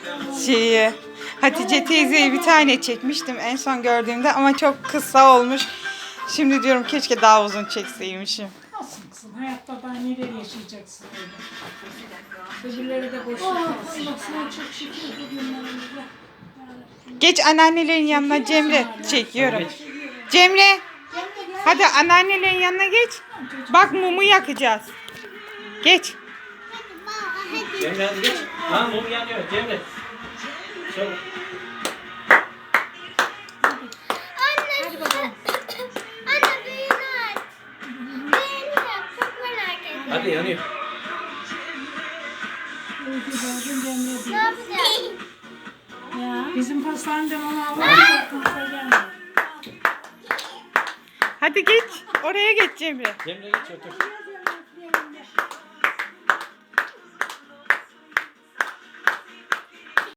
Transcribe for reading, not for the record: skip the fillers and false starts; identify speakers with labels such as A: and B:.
A: şeyi. Hatice teyzeye bir tane çekmiştim en son gördüğümde ama çok kısa olmuş. Şimdi diyorum keşke daha uzun çekseymişim.
B: Nasıl kızım? Hayatta daha neler yaşayacaksın öyle. Öbürleri de boş ver. Allah sana çok şükür bugünlerimize.
A: Geç anneannelerin yanına Cemre. Çekiyorum. Cemre. Hadi anneannelerin yanına geç. Bak mumu yakacağız. Geç.
C: Cemre hadi geç. Lan mum yanıyor Cemre. Çabuk.
D: Hadi bakalım. Anne büyüğünü aç. Büyüğünü yap. Çok merak ediyorum.
C: Hadi yanıyor.
D: Ne yapacağız?
B: Ya bizim pastaneden onu Allah'ın gelmiyor.
A: Hadi geç. Oraya geç Cemre.
C: Cemre geç otur.